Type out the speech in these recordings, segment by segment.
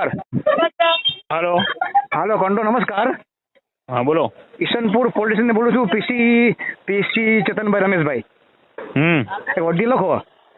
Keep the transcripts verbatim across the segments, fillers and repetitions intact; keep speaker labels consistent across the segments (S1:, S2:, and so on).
S1: નમસ્કાર.
S2: હાલો
S1: હાલો કંટો નમસ્કાર.
S2: હા બોલો.
S1: ઈશનપુર પોલીસ સ્ટેશન બોલું છું. પીસી પીસી ચેતનભાઈ રમેશભાઈ.
S2: હમ
S1: એક વર્દી લખો.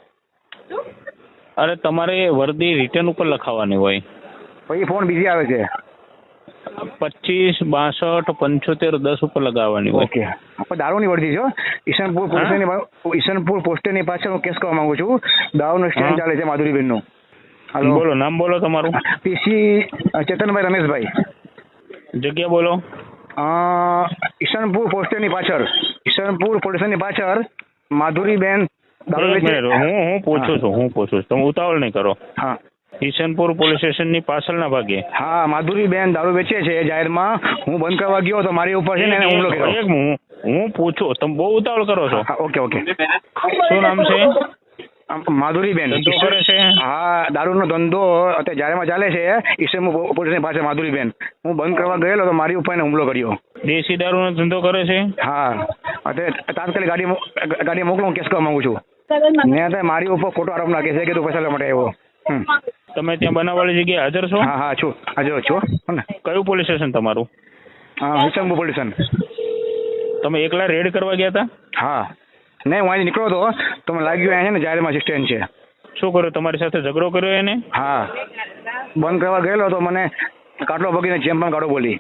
S2: અરે તમારે વર્દી રિટર્ન ઉપર લખાવવાની હોય.
S1: પછી ફોન બીજી આવે છે.
S2: પચીસ બાસઠ પંચોતેર દસ ઉપર લગાવવાની હોય.
S1: ઓકે. આપણે દારૂની વર્દી છે. ઈશનપુર પોલીસ સ્ટેશનની ઈશનપુર પોલીસ સ્ટેશનની પાછળ હું કેસ કરવા માંગુ છું. દારૂનો સ્ટેન્ડ ચાલે છે માધુરીબેનનું. હાલો
S2: બોલો, નામ બોલો તમારું.
S1: પીસી ચેતનભાઈ રમેશભાઈ.
S2: જગ્યા બોલો.
S1: અ, ઈશનપુર પોલીસ સ્ટેશનની પાછળ ઈશનપુર પોલીસ સ્ટેશનની પાછળ માધુરીબેન દારૂ
S2: એક
S1: વેચે.
S2: મિનિટ, હું હું પૂછું છું હું પૂછું છું તમે ઉતાવળ નહીં કરો.
S1: હા
S2: ઈશનપુર પોલીસ સ્ટેશનની પાછળના ભાગે.
S1: હા માધુરીબેન દારૂ વેચે છે જાહેરમાં. હું બંધ કરવા ગયો તો મારી ઉપર છે ને એને હુમલો કર્યો.
S2: એક હું હું પૂછું, તમે બહુ ઉતાવળ કરો છો.
S1: હા ઓકે ઓકે.
S2: શું નામ છે?
S1: આમ માધુરીબેન
S2: ધંધો કરે છે?
S1: હા દારૂનો ધંધો અત્યારે જાહેરમાં ચાલે છે ઈશનપુર પોલીસની પાસે માધુરીબેન. હું બંધ કરવા ગયેલો તો મારી ઉપર એને હુમલો કર્યો.
S2: દેશી દારૂનો ધંધો કરે છે?
S1: હા અત્યારે તાત્કાલિક ગાડી મો- ગાડી મોકલો. હું કેસ કરવા માંગુ છું. મેં અત્યારે મારી ઉપર ખોટો આરોપ નાખે છે કે તું પૈસા લેવા માટે આવ્યો. હમ.
S2: તમે ત્યાં બનાવવાળી જગ્યાએ હાજર છો?
S1: હા હા છું હાજર છું હો ને.
S2: કયું પોલીસ સ્ટેશન તમારું?
S1: હા ઈશનપુર પોલીસ સ્ટેશન.
S2: તમે એકલા રેડ કરવા ગયા હતા?
S1: હા નહીં હું અહીંથી નીકળ્યો હતો તો મને લાગ્યું અહીંયા છે ને જાહેરમાં સ્ટેન્ડ છે.
S2: શું કર્યું? તમારી સાથે ઝઘડો કર્યો એને?
S1: હા બંધ કરવા ગયેલો તો મને કાટલો ભગીને જેમ પણ ગાડો બોલી.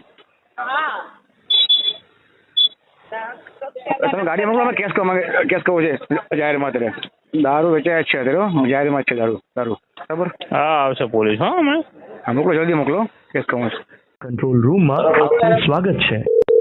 S1: તમે ગાડી મોકલો. અમે કેસ કરવા માંગે- કેસ કરવો છે જાહેરમાં. અત્યારે દારૂ વેચાય જ છે અત્યારે હો. જાહેરમાં જ છે દારૂ દારૂ બરાબર.
S2: હા આવશે પોલીસ. હા હમણાં
S1: હા મોકલો જલ્દી મોકલો. કેસ કરવો છે.
S3: કંટ્રોલ રૂમમાં આપનું સ્વાગત છે.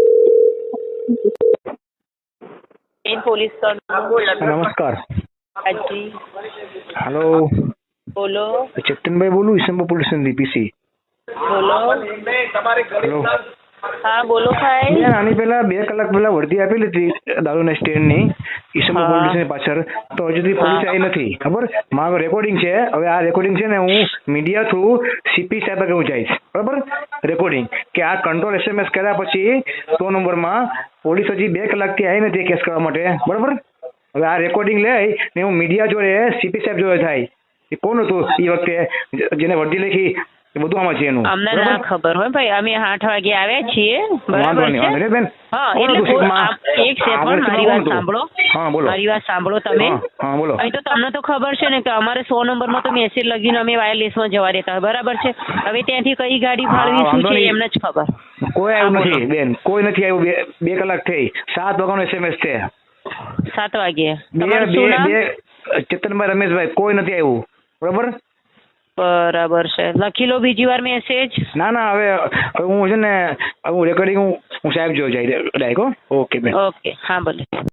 S4: પોલીસ
S1: નમસ્કાર.
S4: હાજી
S1: હાલો
S4: બોલો
S1: ચેતનભાઈ બોલું ઈશનપુર પોલીસ સ્ટેશનથી પીસી.
S4: બોલો
S1: હેલો
S4: હા બોલો ભાઈ.
S1: બેન આની પહેલા બે કલાક પહેલા વર્દી આપેલી હતી દારૂના સ્ટેન્ડની ઈશનપુર પોલીસ સ્ટેશનની પાછળ. તો હજુ સુધી પોલીસ આવી નથી. ખબર મારો રેકોર્ડિંગ છે. હવે આ રેકોર્ડિંગ છે ને હું મીડિયા થ્રુ સીપી સાહેબ આગળ હું જઈશ. બરાબર રેકોર્ડિંગ કે આ કંટ્રોલ એસએમએસ કર્યા પછી સો નંબરમાં પોલીસ હજી બે કલાકથી આવી નથી કેસ કરવા માટે. બરાબર હવે આ રેકોર્ડિંગ લઈ ને હું મીડિયા જોડે સીપી સાહેબ જોડે થાય એ કોણ હતું એ વખતે જેને વર્દી લખી એ બધું આમાં છે એનું.
S4: અમને ના ખબર હોય ભાઈ. અમે આઠ વાગે આવ્યા છીએ બરાબર
S1: વાંધો નહીં, વાંધો નહીં
S4: છે.
S1: બેન.
S4: હા
S1: કોણ
S4: એટલે
S1: હતું
S4: કોઈ-
S1: સીટમાં?
S4: આપ- એક સેકન્ડ
S1: આગળ
S4: મારી
S1: સીટમાં
S4: વાત
S1: કોણ હતું?
S4: સાંભળો.
S1: હા બોલો.
S4: મારી વાત સાંભળો તમે.
S1: હા, હા બોલો.
S4: અહીં તો તમને તો ખબર છે ને કે અમારે સો નંબરમાં તો મેસેજ લગીને અમે વાયરલેસમાં જવા દેતા હોય બરાબર છે. હવે ત્યાંથી કઈ ગાડી
S1: હા,
S4: ફાળવી શું
S1: વાંધો
S4: છે
S1: નહીં.
S4: એમને જ ખબર.
S1: કોઈ આવ્યું
S4: હા, બોલો.
S1: નથી બેન. કોઈ નથી આવ્યું. બે બે કલાક થઈ. સાત વાગ્યાનો એસએમએસ છે.
S4: સાત વાગે.
S1: બે
S4: તમારું
S1: બે
S4: શું નામ?
S1: બે ચેતનભાઈ રમેશભાઈ કોઈ નથી આવ્યું. બરાબર
S4: બરાબર છે. લખી લો બીજી વાર મેસેજ.
S1: ના ના હવે હવે હું છે ને હવે હું રેકોર્ડિંગ હું હું સાહેબ જોઈ જાય ડાયકો. ઓકે બેન.
S4: ઓકે હા ભલે.